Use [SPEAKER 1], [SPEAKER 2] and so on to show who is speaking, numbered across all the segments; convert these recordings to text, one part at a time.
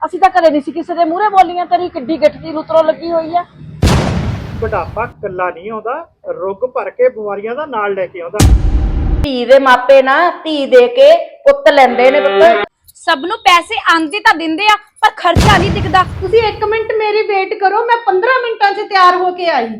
[SPEAKER 1] ਅਸੀਂ ਤਾਂ ਕਦੇ ਨਹੀਂ ਸੀ ਕਿਸੇ ਦੇ ਮੂਹਰੇ ਬੋਲੀਆਂ। ਤੇਰੀ ਕਿੱਡੀ ਗਿੱਠ ਦੀ ਲੁਤਰੋਂ ਲੱਗੀ ਹੋਈ ਆ।
[SPEAKER 2] बुढ़ापा कला नहीं आउंदा, रुग भर के बीमारियां दा नाल लेके आउंदा।
[SPEAKER 1] ਧੀ ਦੇ ਮਾਪੇ ਨਾ ਧੀ ਦੇ ਕੇ ਪੁੱਤ ਲੈਂਦੇ ਨੇ ਪੁੱਤ।
[SPEAKER 3] ਸਭ ਨੂੰ ਪੈਸੇ ਆਂਦੇ ਤਾਂ ਦਿੰਦੇ ਆ ਪਰ ਖਰਚਾ ਨਹੀਂ ਦਿਖਦਾ।
[SPEAKER 4] ਤੁਸੀਂ 1 ਮਿੰਟ ਮੇਰੀ ਵੇਟ ਕਰੋ, ਮੈਂ 15 ਮਿੰਟਾਂ 'ਚ ਤਿਆਰ ਹੋ ਕੇ ਆਈ।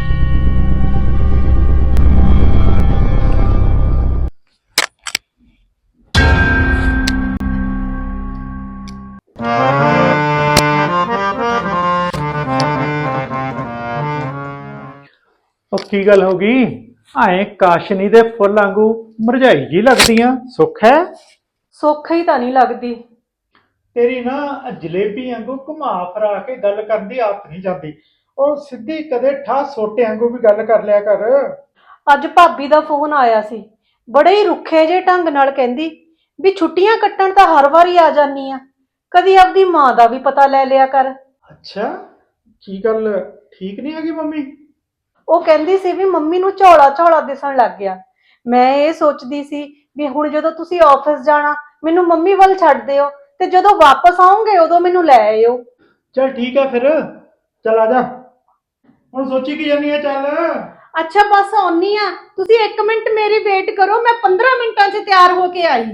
[SPEAKER 2] ਉਹ ਕੀ ਗੱਲ ਹੋ ਗਈ? ਐ ਕਾਸ਼ਨੀ ਦੇ ਫੁੱਲ ਵਾਂਗੂ ਮੁਰਝਾਈ ਜੀ ਲੱਗਦੀਆਂ। ਸੁੱਖ ਹੈ?
[SPEAKER 4] ਸੁੱਖ ਹੀ ਤਾਂ ਨਹੀਂ ਲੱਗਦੀ।
[SPEAKER 2] ਤੇਰੀ ਨਾ ਜਲੇਬੀ ਵਾਂਗੂ ਘੁਮਾ ਫਰਾ ਕੇ ਗੱਲ ਕਰਨ ਦੀ ਆਦਤ ਨਹੀਂ ਜਾਂਦੀ। ਉਹ ਸਿੱਧੀ ਕਦੇ ਠਾ ਸੋਟੇ ਵਾਂਗੂ ਵੀ ਗੱਲ ਕਰ ਲਿਆ ਕਰ।
[SPEAKER 4] ਅੱਜ ਭਾਬੀ ਦਾ ਫੋਨ ਆਇਆ ਸੀ, ਬੜੇ ਹੀ ਰੁੱਖੇ ਜਿਹੇ ਢੰਗ ਨਾਲ ਕਹਿੰਦੀ ਵੀ ਛੁੱਟੀਆਂ ਕੱਟਣ ਤਾਂ ਹਰ ਵਾਰੀ ਆ ਜਾਨੀ ਆ, ਕਦੀ ਆਪਦੀ ਮਾਂ ਦਾ ਵੀ ਪਤਾ ਲੈ ਲਿਆ ਕਰ।
[SPEAKER 2] ਅੱਛਾ, ਕੀ ਗੱਲ ਠੀਕ ਨਹੀਂ ਹੈਗੀ ਮੰਮੀ?
[SPEAKER 4] ਉਹ ਕਹਿੰਦੀ ਸੀ ਵੀ ਮੰਮੀ ਨੂੰ ਝੋਲਾ ਝੋਲਾ ਦਿਸਣ ਲੱਗ ਗਿਆ। ਮੈਂ ਇਹ ਸੋਚਦੀ ਸੀ ਵੀ ਹੁਣ ਜਦੋਂ ਤੁਸੀਂ ਆਫਿਸ ਜਾਣਾ ਮੈਨੂੰ ਮੰਮੀ ਵੱਲ ਛੱਡ ਦਿਓ ਤੇ ਜਦੋਂ ਵਾਪਸ ਆਉਂਗੇ ਉਦੋਂ ਮੈਨੂੰ ਲੈ ਆਇਓ।
[SPEAKER 2] ਚਲ ਠੀਕ ਹੈ ਫਿਰ, ਚਲ ਆ ਜਾ। ਹੁਣ ਸੋਚੀ ਕੀ ਜਾਨੀ ਹੈ? ਚੱਲ
[SPEAKER 4] ਅੱਛਾ ਬਸ ਆਉਣੀ ਆ, ਤੁਸੀਂ 1 ਮਿੰਟ ਮੇਰੀ ਵੇਟ ਕਰੋ, ਮੈਂ 15 ਮਿੰਟਾਂ 'ਚ ਤਿਆਰ ਹੋ ਕੇ ਆਈ।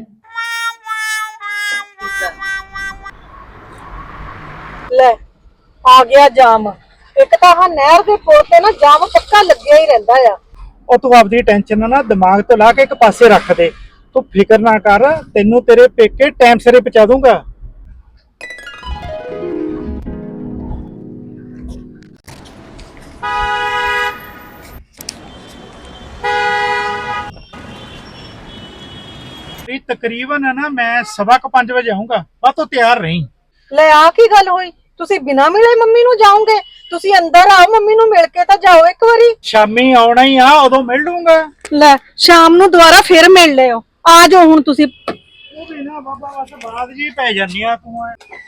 [SPEAKER 4] ਲੈ ਆ ਗਿਆ ਜਾਮ। ਇੱਕ ਤਾਂ ਹਾਂ ਨਹਿਰ ਦੇ ਪੁਲ ਤੇ ਨਾ ਜਾਮ ਪੱਕਾ ਲੱਗਿਆ ਹੀ ਰਹਿੰਦਾ ਆ।
[SPEAKER 2] ਉਹ ਤੂੰ ਆਪਦੀ ਟੈਨਸ਼ਨ ਨਾ ਦਿਮਾਗ ਤੋਂ ਲਾ ਕੇ ਇੱਕ ਪਾਸੇ ਰੱਖ ਦੇ। ਤੂੰ ਫਿਕਰ ਨਾ ਕਰ, ਤੈਨੂੰ ਤੇਰੇ ਪੇਕੇ ਟਾਈਮ ਸਿਰੇ ਪਹੁੰਚਾ ਦੂੰਗਾ। ਤਕਰੀਬਨ ਨਾ ਮੈਂ 5:15 ਵਜੇ ਆਉਂਗਾ। ਬਸ ਤੂੰ ਤਿਆਰ ਰਹੀਂ।
[SPEAKER 4] ਲੈ ਆ ਕੀ ਗੱਲ ਹੋਈ? ਤੁਸੀਂ ਬਿਨਾਂ ਮਿਲੇ ਮੰਮੀ ਨੂੰ ਜਾਓਗੇ? ਤੁਸੀਂ ਅੰਦਰ ਆਓ, ਮੰਮੀ ਨੂੰ ਮਿਲ ਕੇ ਤਾਂ ਜਾਓ ਇੱਕ ਵਾਰੀ।
[SPEAKER 2] ਸ਼ਾਮੀ ਆਉਣਾ ਹੀ ਆ, ਉਦੋਂ ਮਿਲ ਲੂੰਗਾ।
[SPEAKER 4] ਲੈ ਸ਼ਾਮ ਨੂੰ ਦੁਬਾਰਾ ਫਿਰ ਮਿਲ ਲਿਓ। ਆ ਜਾਓ ਹੁਣ ਤੁਸੀਂ।
[SPEAKER 2] ਉਹ ਵੀ ਨਾ ਬਾਬਾ ਬਸ ਬਾਦ ਜੀ ਪੈ ਜਾਂਦੀ ਆ ਤੂੰ।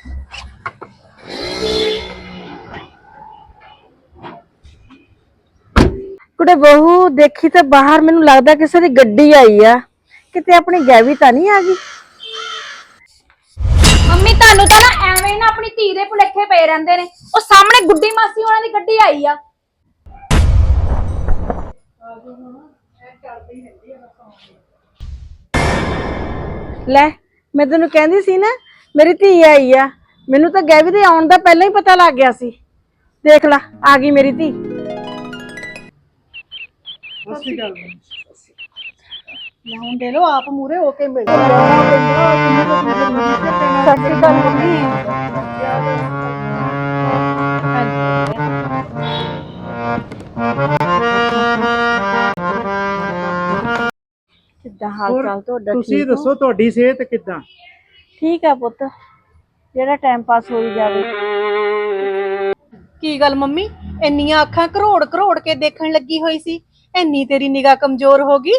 [SPEAKER 1] ਕੁੜੇ ਬਹੂ ਦੇਖੀ ਤੇ ਬਾਹਰ ਮੈਨੂੰ ਲੱਗਦਾ ਕਿਸੇ ਦੀ ਗੱਡੀ ਆਈ ਆ। ਕਿਤੇ ਆਪਣੀ ਗੈਵੀ ਤਾਂ ਨਹੀਂ ਆ ਗਈ?
[SPEAKER 3] ਮੰਮੀ ਤੁਹਾਨੂੰ ਤਾਂ ਨਾ ਐਵੇਂ ਹੀ ਨਾ ਆਪਣੀ ਧੀ ਦੇ ਭੁਲੇਖੇ ਪਏ ਰਹਿੰਦੇ ਨੇ। ਉਹ ਸਾਹਮਣੇ ਗੁੱਡੀ ਮਾਸੀ ਉਹਨਾਂ ਦੀ ਗੱਡੀ ਆਈ ਆ।
[SPEAKER 1] ਲੈ ਮੈਂ ਤੈਨੂੰ ਕਹਿੰਦੀ ਸੀ ਨਾ ਮੇਰੀ ਧੀ ਆਈ ਆ। ਮੈਨੂੰ ਤਾਂ ਗੈਵੀ ਦੇ ਆਉਣ ਦਾ ਪਹਿਲਾਂ ਹੀ ਪਤਾ ਲੱਗ ਗਿਆ ਸੀ। ਦੇਖ ਲਾ ਆ ਗਈ ਮੇਰੀ ਧੀ।
[SPEAKER 2] ਸੱਚੀ ਗੱਲ
[SPEAKER 4] ਹੁਣ ਦੇ ਲੋ ਆਪ ਮੂਰੇ ਹੋ ਕੇ ਮਿਲ ਜਾਓ। ਸਤਿ ਸ਼੍ਰੀ ਅਕਾਲ ਮੰਮੀ।
[SPEAKER 1] ਕਿੱਦਾਂ ਹਾਲ ਚਾਲ ਤੁਹਾਡਾ?
[SPEAKER 2] ਤੁਸੀਂ
[SPEAKER 1] ਠੀਕ ਹੋ?
[SPEAKER 2] ਦੱਸੋ ਤੁਹਾਡੀ ਸਿਹਤ ਕਿੱਦਾਂ?
[SPEAKER 1] ਠੀਕ ਆ ਪੁੱਤ, ਜਿਹੜਾ ਟਾਈਮ ਪਾਸ ਹੋਈ ਜਾਵੇ।
[SPEAKER 4] ਕੀ ਗੱਲ ਮੰਮੀ, ਇੰਨੀਆਂ ਅੱਖਾਂ ਕਰੋੜ ਕਰੋੜ ਕੇ ਦੇਖਣ ਲੱਗੀ ਹੋਈ ਸੀ, ਇੰਨੀ ਤੇਰੀ ਨਿਗਾਹ ਕਮਜ਼ੋਰ ਹੋ ਗਈ?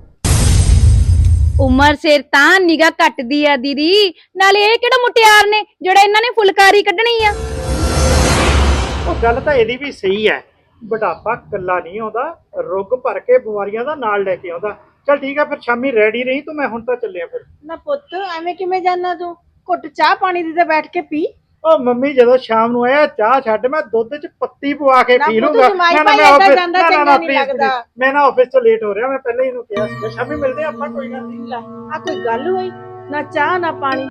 [SPEAKER 3] ਉਮਰ ਸਿਰ ਤਾਂ ਨਿਗਾਹ ਘਟਦੀ ਆ ਦੀਦੀ। ਨਾਲੇ ਇਹ ਕਿਹੜਾ ਮੁਟਿਆਰ ਨੇ ਜਿਹੜਾ ਇਹਨਾਂ ਨੇ ਫੁਲਕਾਰੀ ਕੱਢਣੀ ਆ।
[SPEAKER 2] ਉਹ ਗੱਲ ਤਾਂ ਇਹਦੀ ਵੀ ਸਹੀ ਹੈ। ਬੁਢਾਪਾ ਕੱਲਾ ਨਹੀਂ ਆਉਂਦਾ, ਰੁਗ ਭਰ ਕੇ ਬਿਮਾਰੀਆਂ ਦਾ ਨਾਲ ਲੈ ਕੇ ਆਉਂਦਾ। ਚਲ ਠੀਕ ਆ ਫਿਰ, ਸ਼ਾਮੀ ਰੈਡੀ ਰਹੀ ਤੂੰ, ਮੈਂ ਹੁਣ ਤਾਂ ਚੱਲਿਆ ਫਿਰ।
[SPEAKER 4] ਨਾ ਪੁੱਤ ਐਵੇਂ ਕਿਵੇਂ ਜਾਣਾ ਤੂੰ? ਘੁੱਟ ਚਾਹ ਪਾਣੀ ਦੀ ਤੇ ਬੈਠ ਕੇ ਪੀ।
[SPEAKER 2] ਉਹ ਮੰਮੀ ਜਦੋਂ ਸ਼ਾਮ ਨੂੰ ਆਇਆ ਚਾਹ ਛੱਡ, ਮੈਂ ਦੁੱਧ 'ਚ ਪੱਤੀ ਪਵਾ ਕੇ ਪੀ ਲੂੰਗਾ। ਮੈਂ ਨਾ ਆਫਿਸ ਤੋਂ ਲੇਟ ਹੋ ਰਿਹਾ, ਮੈਂ ਪਹਿਲਾਂ ਹੀ ਇਹਨੂੰ ਕਿਹਾ ਸੀ ਸ਼ਾਮੀ ਮਿਲਦੇ ਆਪਾਂ, ਕੋਈ ਗੱਲ ਨਹੀਂ।
[SPEAKER 4] ਆ ਕੋਈ ਗੱਲ ਹੋਈ? ਨਾ ਚਾਹ ਨਾ ਪਾਣੀ।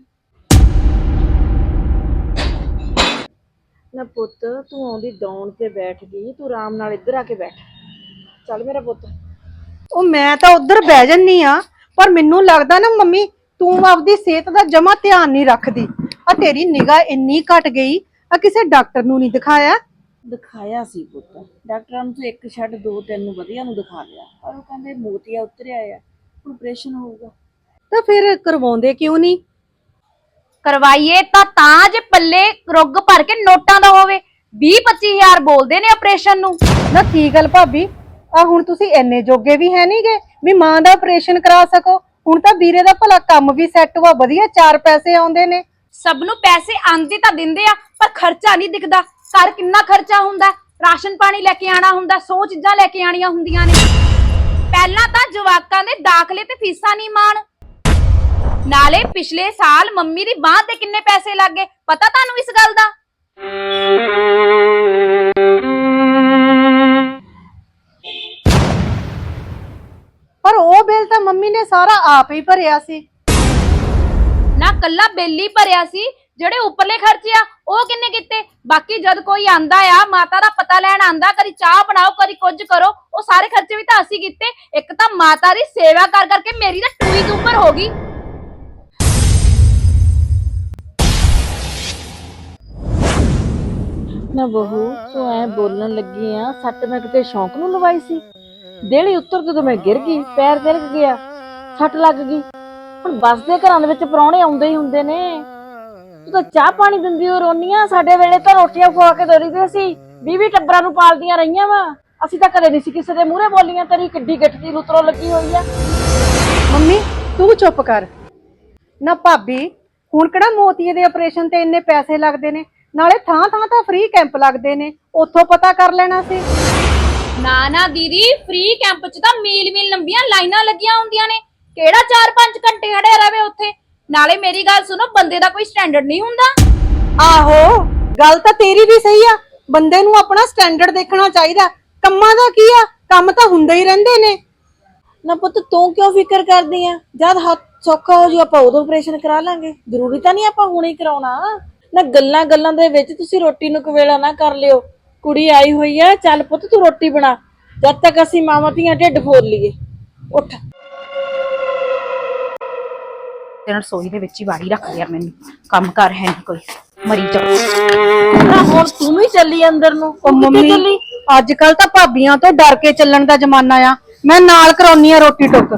[SPEAKER 1] ਨਾ ਪੁੱਤ ਤੂੰ ਆਉਂਦੀ ਦੌਣ ਤੇ ਬੈਠ ਗਈ, ਤੂੰ ਆਰਾਮ ਨਾਲ ਇੱਧਰ ਆ ਕੇ ਬੈਠ। ਚੱਲ ਮੇਰਾ ਪੁੱਤ।
[SPEAKER 4] ਉਹ ਮੈਂ ਤਾਂ ਉਧਰ ਬਹਿ ਜੰਨੀ ਆ, ਪਰ ਮੈਨੂੰ ਲੱਗਦਾ ਨਾ ਮੰਮੀ ਤੂੰ ਆਪਦੀ ਸਿਹਤ ਦਾ ਜਮਾ ਧਿਆਨ ਨਹੀਂ ਰੱਖਦੀ। ਆ ਤੇਰੀ ਨਿਗਾਹ ਇੰਨੀ ਘਟ ਗਈ, ਆ ਕਿਸੇ ਡਾਕਟਰ ਨੂੰ ਨਹੀਂ ਦਿਖਾਇਆ?
[SPEAKER 1] ਦਿਖਾਇਆ ਸੀ ਪੁੱਤ ਡਾਕਟਰਾਂ ਨੂੰ, ਤੂੰ ਇੱਕ ਛੱਡ 2-3 ਨੂੰ ਵਧੀਆ ਨੂੰ ਦਿਖਾ ਲਿਆ, ਪਰ ਉਹ ਕਹਿੰਦੇ ਮੋਤੀਆ ਉਤਰਿਆ ਆ, ਹੁਣ ਆਪਰੇਸ਼ਨ ਹੋਊਗਾ।
[SPEAKER 4] ਤਾਂ ਫਿਰ ਕਰਵਾਉਂਦੇ ਕਿਉਂ ਨਹੀਂ?
[SPEAKER 3] ਕਰਵਾਈਏ ਤਾਂ ਜੇ ਪੱਲੇ ਰੁੱਗ ਭਰ ਕੇ ਨੋਟਾਂ ਦਾ ਹੋਵੇ। 20-25 ਹਜ਼ਾਰ ਬੋਲਦੇ ਨੇ ਆਪਰੇਸ਼ਨ ਨੂੰ।
[SPEAKER 4] ਨਾ ਕੀ ਗੱਲ ਭਾਬੀ, ਆ ਹੁਣ ਤੁਸੀਂ ਇੰਨੇ ਜੋਗੇ ਵੀ ਹੈ ਨਹੀਂਗੇ ਵੀ ਮਾਂ ਦਾ ਆਪਰੇਸ਼ਨ ਕਰਾ ਸਕੋ। ਹੁਣ ਤਾਂ ਵੀਰੇ ਦਾ ਭਲਾ ਕੰਮ ਵੀ ਸੈੱਟ ਵਾ, ਵਧੀਆ 4 ਪੈਸੇ ਆਉਂਦੇ ਨੇ।
[SPEAKER 3] ਸਭ ਨੂੰ ਪੈਸੇ ਆਂਦੇ ਤਾਂ ਦਿੰਦੇ ਆ ਪਰ ਖਰਚਾ ਨਹੀਂ ਦਿਖਦਾ। ਘਰ ਕਿੰਨਾ ਖਰਚਾ ਹੁੰਦਾ, ਰਾਸ਼ਨ ਪਾਣੀ ਲੈ ਕੇ ਆਣਾ ਹੁੰਦਾ, 100 ਚੀਜ਼ਾਂ ਲੈ ਕੇ ਆਣੀਆਂ ਹੁੰਦੀਆਂ ਨੇ। ਪਹਿਲਾਂ ਤਾਂ ਜਵਾਕਾਂ ਦੇ ਦਾਖਲੇ ਤੇ ਫੀਸਾਂ ਨਹੀਂ ਮਾਣ, ਨਾਲੇ ਪਿਛਲੇ ਸਾਲ ਮੰਮੀ ਦੀ ਬਾਂਹ ਤੇ ਕਿੰਨੇ ਪੈਸੇ ਲੱਗ ਗਏ, ਪਤਾ ਤੁਹਾਨੂੰ ਇਸ ਗੱਲ ਦਾ?
[SPEAKER 4] ਪਰ ਉਹ ਬਿੱਲ ਤਾਂ ਮੰਮੀ ਨੇ ਸਾਰਾ ਆਪ ਹੀ ਭਰਿਆ ਸੀ।
[SPEAKER 3] ਨਾ ਕੱਲਾ ਬਿੱਲ ਹੀ ਭਰਿਆ ਸੀ, ਜਿਹੜੇ ਉੱਪਰਲੇ ਖਰਚੇ ਆ ਉਹ ਕਿੰਨੇ ਕੀਤੇ? ਬਾਕੀ ਜਦ ਕੋਈ ਆਂਦਾ ਆ ਮਾਤਾ ਦਾ ਪਤਾ ਲੈਣ ਆਂਦਾ, ਕਦੀ ਚਾਹ ਬਣਾਓ ਕਦੀ ਕੁਝ ਕਰੋ, ਉਹ ਸਾਰੇ ਖਰਚੇ ਵੀ ਤਾਂ ਅਸੀਂ ਕੀਤੇ। ਇੱਕ ਤਾਂ ਮਾਤਾ ਦੀ ਸੇਵਾ ਕਰ ਕਰਕੇ ਮੇਰੀ ਤਾਂ ਟੂਈ ਦੇ ਉੱਪਰ ਹੋ ਗਈ।
[SPEAKER 1] ਨਾ ਬਹੂ ਤੂੰ ਐ ਬੋਲਣ ਲੱਗੀ ਆ, ਸੱਟ ਮੈਂ ਕਿਤੇ ਸ਼ੌਂਕ ਨੂੰ ਲਵਾਈ ਸੀ? ਦੇਲੀ ਉੱਤਰ ਜਦੋਂ ਮੈਂ ਗਿਰ ਗਈ, ਪੈਰ ਤਿਲਕ ਗਿਆ, ਸੱਟ ਲੱਗ ਗਈ। ਹੁਣ ਬੱਸ ਦੇ ਘਰਾਂ ਦੇ ਵਿੱਚ ਪ੍ਰਾਹੁਣੇ ਆਉਂਦੇ ਹੀ ਹੁੰਦੇ ਨੇ, ਤੂੰ ਤਾਂ ਚਾਹ ਪਾਣੀ ਦਿੰਦੀ ਹੋ ਰੋਨੀਆਂ। ਸਾਡੇ ਵੇਲੇ ਤਾਂ ਰੋਟੀਆਂ ਖਵਾ ਕੇ ਦੋਰੀਦੇ ਸੀ, 20 ਟੱਬਰਾਂ ਨੂੰ ਪਾਲਦੀਆਂ ਰਹੀਆਂ ਵਾ, ਅਸੀਂ ਤਾਂ ਕਦੇ ਨਹੀਂ ਸੀ ਕਿਸੇ ਦੇ ਮੂਹਰੇ ਬੋਲੀਆਂ। ਤੇਰੀ ਕਿੱਡੀ ਗਿੱਠ ਦੀ ਲੁਤਰੋਂ ਲੱਗੀ ਹੋਈ ਆ।
[SPEAKER 4] ਮੰਮੀ ਤੂੰ ਚੁੱਪ ਕਰ ਨਾ। ਭਾਬੀ ਹੁਣ ਕਿਹੜਾ ਮੋਤੀਏ ਦੇ ਆਪਰੇਸ਼ਨ ਤੇ ਇੰਨੇ ਪੈਸੇ ਲੱਗਦੇ ਨੇ, ਨਾਲੇ ਥਾਂ ਥਾਂ ਤਾਂ ਫ੍ਰੀ ਕੈਂਪ ਲੱਗਦੇ ਨੇ, ਉੱਥੋਂ ਪਤਾ ਕਰ ਲੈਣਾ ਸੀ।
[SPEAKER 3] ਨਾ ਨਾ ਦੀਦੀ, ਫ੍ਰੀ ਕੈਂਪ 'ਚ ਤਾਂ ਮੀਲ ਲੰਬੀਆਂ ਲਾਈਨਾਂ ਲੱਗੀਆਂ ਹੁੰਦੀਆਂ ਨੇ, ਕਿਹੜਾ 4-5 ਘੰਟੇ ਖੜੇ ਰਵੇ ਉੱਥੇ। ਨਾਲੇ ਮੇਰੀ ਗੱਲ ਸੁਣੋ, ਬੰਦੇ ਦਾ ਕੋਈ ਸਟੈਂਡਰਡ ਨਹੀਂ ਹੁੰਦਾ।
[SPEAKER 4] ਆਹੋ ਗੱਲ ਤਾਂ ਤੇਰੀ ਵੀ ਸਹੀ ਆ, ਬੰਦੇ ਨੂੰ ਆਪਣਾ ਸਟੈਂਡਰਡ ਦੇਖਣਾ ਚਾਹੀਦਾ। ਕੰਮਾਂ ਦਾ ਕੀ ਆ, ਕੰਮ ਤਾਂ ਹੁੰਦੇ ਹੀ ਰਹਿੰਦੇ ਨੇ।
[SPEAKER 1] ਨਾ ਪੁੱਤ ਤੂੰ ਕਿਉਂ ਫਿਕਰ ਕਰਦੀ ਆ? ਜਦ ਹੱਥ ਸੌਖਾ ਹੋ ਜੂ ਆਪਾਂ ਉਦੋਂ ਆਪਰੇਸ਼ਨ ਕਰਾ ਲਾਂਗੇ, ਜ਼ਰੂਰੀ ਤਾਂ ਨਹੀਂ ਆਪਾਂ ਹੁਣੇ ਕਰਾਉਣਾ। ਨਾ ਗੱਲਾਂ ਗੱਲਾਂ ਦੇ ਵਿੱਚ ਤੁਸੀਂ ਰੋਟੀ ਨੂੰ ਕਵੇਲਾ ਨਾ ਕਰ ਲਿਓ। ਕੁੜੀ ਆਈ ਹੋਈ ਆ, ਚੱਲ ਪੁੱਤ ਤੂੰ ਰੋਟੀ ਬਣਾ, ਜਦ ਤੱਕ ਅਸੀਂ ਮਾਵਾਂ ਧੀਆਂ ਢਿੱਡ ਫੋਲ ਲਈਏ। ਉੱਠ।
[SPEAKER 3] ਤੇ ਰਸੋਈ ਦੇ ਵਿੱਚ ਹੀ ਵਾੜੀ ਰੱਖ ਲਿਆ ਮੈਨੂੰ, ਕੰਮ ਕਰ ਹੈ ਨਹੀਂ ਕੋਈ, ਮਰੀ ਜਾ।
[SPEAKER 1] ਨਾ ਹੁਣ ਤੂੰ ਵੀ ਚੱਲੀ ਅੰਦਰ ਨੂੰ।
[SPEAKER 4] ਉਹ ਮੰਮੀ ਅੱਜ ਕੱਲ ਤਾਂ ਭਾਬੀਆਂ ਤੋਂ ਡਰ ਕੇ ਚੱਲਣ ਦਾ ਜ਼ਮਾਨਾ ਆ। ਮੈਂ ਨਾਲ ਕਰਾਉਣੀ ਆ ਰੋਟੀ ਟੁੱਕ।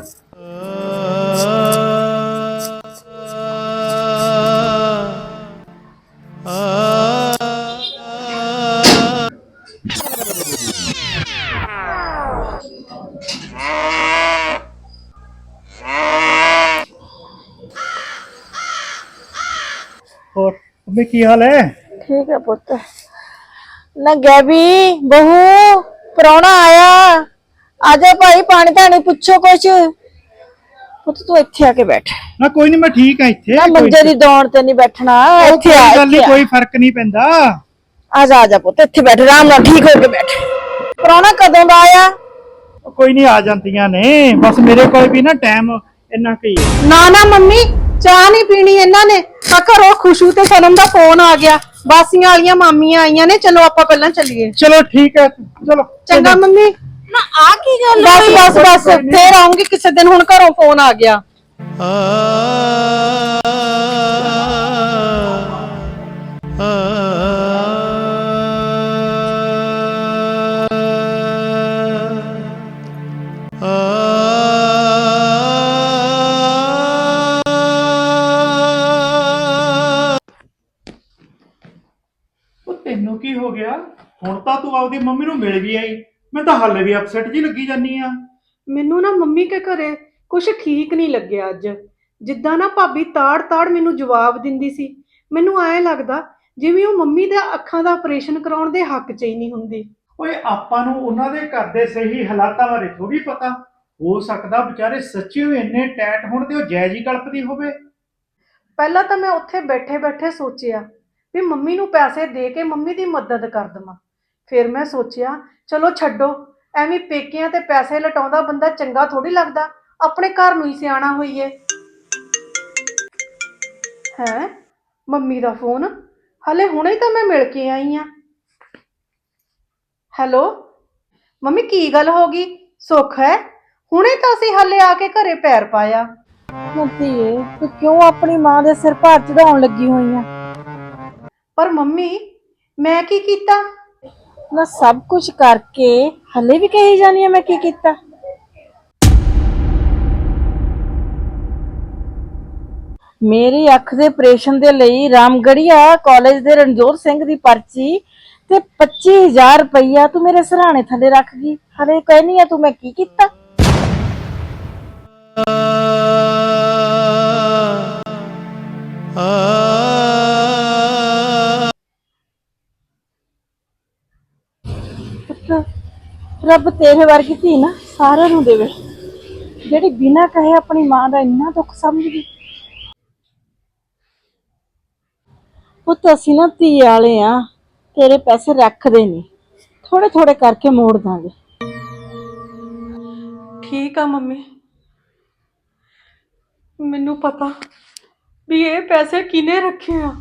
[SPEAKER 2] ਹੋਰ ਮੰਮੀ ਕੀ ਹਾਲ ਹੈ?
[SPEAKER 1] ਠੀਕ ਹੈ ਪੁੱਤ। ਨਾ ਗੈਬੀ ਬਹੂ, ਪ੍ਰਾਹੁਣਾ ਆਇਆ, ਆਜਾ ਭਾਈ, ਪਾਣੀ ਧਾਣੀ ਪੁੱਛੋ ਕੁਛ। ਪੁੱਤ ਤੂੰ ਇੱਥੇ ਆ ਕੇ ਬੈਠ।
[SPEAKER 2] ਨਾ ਕੋਈ ਨਹੀਂ, ਮੈਂ ਠੀਕ ਆ ਇੱਥੇ।
[SPEAKER 1] ਨਾ ਮੰਜੇ ਦੀ ਦੌੜ ਤੇ ਨਹੀਂ ਬੈਠਣਾ, ਇੱਥੇ ਆ।
[SPEAKER 2] ਗੱਲ ਨਹੀਂ, ਕੋਈ ਫਰਕ ਨਹੀਂ ਪੈਂਦਾ।
[SPEAKER 1] ਆਜਾ ਪੁੱਤ, ਇੱਥੇ ਬੈਠ, ਆਰਾਮ ਨਾਲ ਠੀਕ ਹੋ ਕੇ ਬੈਠ। ਪ੍ਰਾਹੁਣਾ ਕਦੋਂ ਦਾ ਆਇਆ?
[SPEAKER 2] ਕੋਈ ਨਹੀਂ, ਆ ਜਾਂਦੀਆਂ ਨੇ, ਬਸ ਮੇਰੇ ਕੋਲ ਵੀ ਨਾ ਟਾਈਮ ਇੰਨਾ ਕੀ ਹੈ।
[SPEAKER 4] ਨਾ ਨਾ ਮੰਮੀ, ਚਾਹ ਨਹੀਂ ਪੀਣੀ ਇਹਨਾਂ ਨੇ। ਆ ਘਰੋਂ ਖੁਸ਼ੂ ਤੇ ਸਨਮ ਦਾ ਫੋਨ ਆ ਗਿਆ, ਬਾਸੀਆਂ ਵਾਲੀਆਂ ਮਾਮੀਆਂ ਆਈਆਂ ਨੇ, ਚਲੋ ਆਪਾਂ ਪਹਿਲਾਂ ਚੱਲੀਏ।
[SPEAKER 2] ਚਲੋ ਠੀਕ ਹੈ, ਚਲੋ
[SPEAKER 4] ਚੰਗਾ ਮੰਮੀ।
[SPEAKER 1] ਨਾ ਆ ਕੀ ਗੱਲ
[SPEAKER 4] ਬਸ ਬਸ ਬਸ, ਫੇਰ ਆਉਂਗੀ ਕਿਸੇ ਦਿਨ, ਹੁਣ ਘਰੋਂ ਫੋਨ ਆ ਗਿਆ।
[SPEAKER 2] ਤੈਨੂੰ ਕੀ ਹੋ ਗਿਆ? ਹੁਣ ਤਾਂ ਤੂੰ ਆਪਦੀ ਮੰਮੀ ਨੂੰ ਮਿਲ ਵੀ ਆਈ, ਮੈਂ ਤਾਂ ਹਾਲੇ ਵੀ ਅਪਸੈਟ ਜੀ ਲੱਗੀ ਜਾਨੀ ਆ।
[SPEAKER 4] ਮੈਨੂੰ ਨਾ ਮੰਮੀ ਕੇ ਘਰੇ ਕੁਛ ਠੀਕ ਨਹੀਂ ਲੱਗਿਆ ਅੱਜ। ਜਿੱਦਾਂ ਨਾ ਭਾਬੀ ਤਾੜ ਮੈਨੂੰ ਜਵਾਬ ਦਿੰਦੀ ਸੀ, ਮੈਨੂੰ ਐਂ ਲੱਗਦਾ ਜਿਵੇਂ ਉਹ ਮੰਮੀ ਦੇ ਅੱਖਾਂ ਦਾ ਆਪਰੇਸ਼ਨ ਕਰਾਉਣ ਦੇ ਹੱਕ 'ਚ ਹੀ ਨਹੀਂ ਹੁੰਦੀ।
[SPEAKER 2] ਓਏ ਆਪਾਂ ਨੂੰ ਉਹਨਾਂ ਦੇ ਘਰ ਦੇ ਸਹੀ ਹਾਲਾਤਾਂ ਬਾਰੇ ਥੋੜੀ ਪਤਾ। ਹੋ ਸਕਦਾ ਵਿਚਾਰੇ ਸੱਚੀ ਹੋਏ ਇੰਨੇ ਟੈਟ ਹੋਣ ਤੇ ਉਹ ਜਾਇਜ਼ ਹੀ ਕਲਪਦੀ ਹੋਵੇ।
[SPEAKER 4] ਪਹਿਲਾਂ ਤਾਂ ਮੈਂ ਉੱਥੇ ਬੈਠੇ ਸੋਚਿਆ ਵੀ ਮੰਮੀ ਨੂੰ ਪੈਸੇ ਦੇ ਕੇ ਮੰਮੀ ਦੀ ਮਦਦ ਕਰ ਦੇਵਾਂ। ਫਿਰ ਮੈਂ ਸੋਚਿਆ ਚਲੋ ਛੱਡੋ, ਐਵੇਂ ਪੇਕਿਆਂ ਤੇ ਪੈਸੇ ਲਟਾਉਂਦਾ ਬੰਦਾ ਚੰਗਾ ਥੋੜੀ ਲੱਗਦਾ, ਆਪਣੇ ਘਰ ਨੂੰ ਹੀ ਸਿਆਣਾ ਹੋਈਏ। ਹੈ ਮੰਮੀ ਦਾ ਫੋਨ, ਹਲੇ ਹੁਣੇ ਤਾਂ ਮੈਂ ਮਿਲ ਕੇ ਆਈ ਆ। ਹੈਲੋ ਮੰਮੀ, ਕੀ ਗੱਲ ਹੋ ਗਈ? ਸੁੱਖ ਹੈ? ਹੁਣੇ ਤਾਂ ਅਸੀਂ ਹਲੇ ਆ ਕੇ ਘਰੇ ਪੈਰ ਪਾਇਆ।
[SPEAKER 1] ਧੀਏ ਤੂੰ ਕਿਉਂ ਆਪਣੀ ਮਾਂ ਦੇ ਸਿਰ ਭਾਰ ਚੜਾਉਣ ਲੱਗੀ ਹੋਈ ਆ?
[SPEAKER 4] ਪਰ ਮੰਮੀ ਮੈਂ ਕੀ ਕੀਤਾ?
[SPEAKER 1] ਨਾ ਸਭ ਕੁਝ ਕਰਕੇ ਹਲੇ ਵੀ ਕਹੀ ਜਾਨੀ ਆ ਮੈਂ ਕੀ ਕੀਤਾ? ਮੇਰੀ ਅੱਖ ਦੇ ਆਪਰੇਸ਼ਨ ਦੇ ਲਈ ਰਾਮਗੜੀਆ ਕਾਲਜ ਦੇ ਰਣਜੋਤ ਸਿੰਘ ਦੀ ਪਰਚੀ ਤੇ 25000 ਰੁਪਈਆ ਤੂੰ ਮੇਰੇ ਸਿਰਹਾਣੇ ਥੱਲੇ ਰੱਖ ਗਈ। ਹਲੇ ਕਹਿਨੀ ਆ ਤੂੰ ਮੈਂ ਕੀ ਕੀਤਾ? ਰੱਬ ਤੇਰੇ ਵਰਗੀ ਧੀ ਨਾ ਸਾਰਿਆਂ ਨੂੰ ਦੇਵੇ, ਜਿਹੜੀ ਬਿਨਾਂ ਕਹੇ ਆਪਣੀ ਮਾਂ ਦਾ ਇੰਨਾ ਦੁੱਖ ਸਮਝਦੀ। ਪੁੱਤ ਅਸੀਂ ਨਾ ਧੀ ਵਾਲੇ ਆ, ਤੇਰੇ ਪੈਸੇ ਰੱਖਦੇ ਨਹੀਂ, ਥੋੜੇ ਥੋੜੇ ਕਰਕੇ ਮੋੜ ਦਾਂਗੇ।
[SPEAKER 4] ਠੀਕ ਆ ਮੰਮੀ, ਮੈਨੂੰ ਪਤਾ ਵੀ ਇਹ ਪੈਸੇ ਕਿਨੇ ਰੱਖੇ ਆ।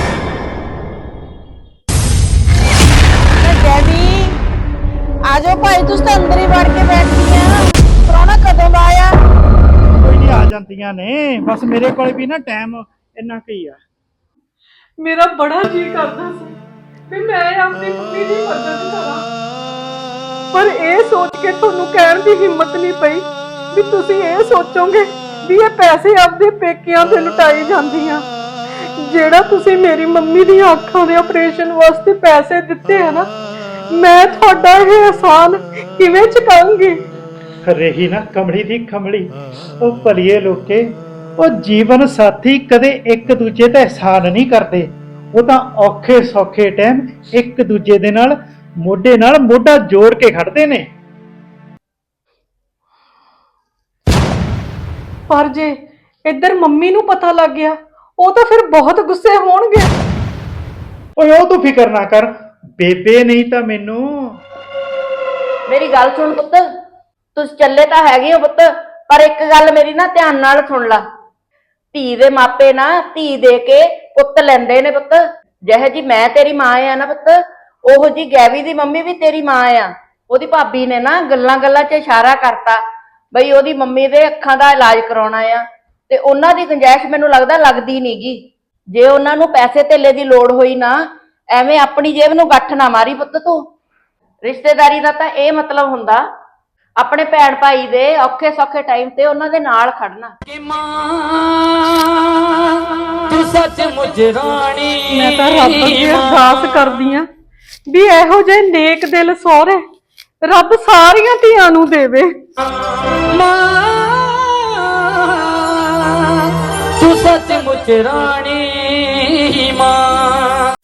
[SPEAKER 1] ਡੈਡੀ ਆ ਜਾਓ ਭਾਈ, ਤੁਸੀਂ ਤਾਂ ਅੰਦਰ ਹੀ ਵੜ ਕੇ ਬੈਠੀਆਂ, ਪ੍ਰਾਹੁਣਾ ਕਦੋਂ ਦਾ ਆਇਆ?
[SPEAKER 2] ਕੋਈ ਨਹੀਂ, ਆ ਜਾਂਦੀਆਂ ਨੇ, ਬਸ ਮੇਰੇ ਕੋਲ ਵੀ ਨਾ ਟਾਈਮ ਇੰਨਾ ਕੁ ਹੀ ਆ।
[SPEAKER 4] ਮੇਰਾ ਬੜਾ ਜੀ ਕਰਦਾ ਸੀ ਵੀ ਮੈਂ ਆਪਣੀ ਮੰਮੀ ਦੀ ਮਦਦ ਕਰਾਂ, ਪਰ ਇਹ ਸੋਚ ਕੇ ਤੁਹਾਨੂੰ ਕਹਿਣ ਦੀ ਹਿੰਮਤ ਨਹੀਂ ਪਈ ਵੀ ਤੁਸੀਂ ਇਹ ਸੋਚੋਗੇ ਵੀ ਇਹ ਪੈਸੇ ਆਪਦੇ ਪੇਕਿਆਂ ਤੇ ਲੁਟਾਈ ਜਾਂਦੀਆਂ। ਜਿਹੜਾ ਤੁਸੀਂ ਮੇਰੀ ਮੰਮੀ ਦੀਆਂ ਅੱਖਾਂ ਦੇ ਆਪਰੇਸ਼ਨ ਵਾਸਤੇ ਪੈਸੇ ਦਿੱਤੇ ਆ ਨਾ, ਮੈਂ ਤੁਹਾਡਾ ਇਹ ਅਹਿਸਾਨ ਕਿਵੇਂ ਚੁਕਾਉਂਗੀ?
[SPEAKER 2] ਰਹੀ ਨਾ ਕਮਲੀ ਦੀ ਕਮਲੀ, ਉਹ ਭਲੀਏ ਲੋਕੇ, ਉਹ ਜੀਵਨ ਸਾਥੀ ਕਦੇ ਇੱਕ ਦੂਜੇ ਦਾ ਅਹਿਸਾਨ ਨਹੀਂ ਕਰਦੇ, ਉਹ ਤਾਂ ਔਖੇ ਸੌਖੇ ਟਾਈਮ ਇੱਕ ਦੂਜੇ ਦੇ ਨਾਲ ਮੋਢੇ ਨਾਲ ਮੋਢਾ ਜੋੜ ਕੇ ਖੜਦੇ ਨੇ।
[SPEAKER 4] ਪਰ ਜੇ ਇੱਧਰ ਮੰਮੀ ਨੂੰ ਪਤਾ ਲੱਗ ਗਿਆ, ਉਹ ਤਾਂ ਫਿਰ ਬਹੁਤ ਗੁੱਸੇ ਹੋਣਗੇ।
[SPEAKER 2] ਓਏ ਉਹ ਤੂੰ ਫਿਕਰ ਨਾ ਕਰ ਬੇਬੇ, ਨਹੀਂ ਤਾਂ ਮੈਨੂੰ।
[SPEAKER 1] ਮੇਰੀ ਗੱਲ ਸੁਣ ਪੁੱਤ, ਤੁਸੀਂ ਚੱਲੇ ਤਾਂ ਹੈਗੇ ਹੋ ਪੁੱਤ, ਪਰ ਇੱਕ ਗੱਲ ਮੇਰੀ ਨਾ ਧਿਆਨ ਨਾਲ ਸੁਣ ਲਾ। ਧੀ ਦੇ ਮਾਪੇ ਨਾ ਧੀ ਦੇ ਕੇ ਪੁੱਤ ਲੈਂਦੇ ਨੇ ਪੁੱਤ। ਜਿਹੇ ਜੀ ਮੈਂ ਤੇਰੀ ਮਾਂ ਆ ਨਾ ਪੁੱਤ, ਉਹੋ ਜੀ ਗੈਵੀ ਦੀ ਮੰਮੀ ਵੀ ਤੇਰੀ ਮਾਂ ਆ। ਉਹਦੀ ਭਾਬੀ ਨੇ ਨਾ ਗੱਲਾਂ ਗੱਲਾਂ 'ਚ ਇਸ਼ਾਰਾ ਕਰਤਾ ਬਈ ਉਹਦੀ ਮੰਮੀ ਦੇ ਅੱਖਾਂ ਦਾ ਇਲਾਜ ਕਰਾਉਣਾ ਆ, ਤੇ ਉਹਨਾਂ ਦੀ ਗੁੰਜਾਇਸ਼ ਮੈਨੂੰ ਲੱਗਦਾ ਲੱਗਦੀ ਨਹੀਂਗੀ। ਜੇ ਉਹਨਾਂ ਨੂੰ ਪੈਸੇ ਧੇਲੇ ਦੀ ਲੋੜ ਹੋਈ ਨਾ, ਐਵੇਂ ਆਪਣੀ ਜੇਬ ਨੂੰ ਗੱਠ ਨਾ ਮਾਰੀ ਪੁੱਤ ਤੂੰ। ਰਿਸ਼ਤੇਦਾਰੀ ਦਾ ਤਾਂ ਇਹ ਮਤਲਬ ਹੁੰਦਾ ਆਪਣੇ ਭੈਣ ਭਾਈ ਦੇ ਔਖੇ ਸੌਖੇ ਟਾਈਮ ਤੇ ਉਹਨਾਂ ਦੇ ਨਾਲ ਖੜਨਾ।
[SPEAKER 5] ਤੂੰ ਸੱਚਮੁੱਚ ਰਾਣੀ,
[SPEAKER 4] ਮੈਂ ਤਾਂ ਰੱਬ ਅੱਗੇ ਅਰਦਾਸ ਕਰਦੀ ਆ ਵੀ ਇਹੋ ਜਿਹੇ ਨੇਕ ਦਿਲ ਸਹੁਰੇ ਰੱਬ ਸਾਰੀਆਂ ਧੀਆਂ ਨੂੰ ਦੇਵੇ।
[SPEAKER 5] ਮਾਂ ਤੂੰ ਸੱਚਮੁੱਚ ਰਾਣੀ ਮਾਂ।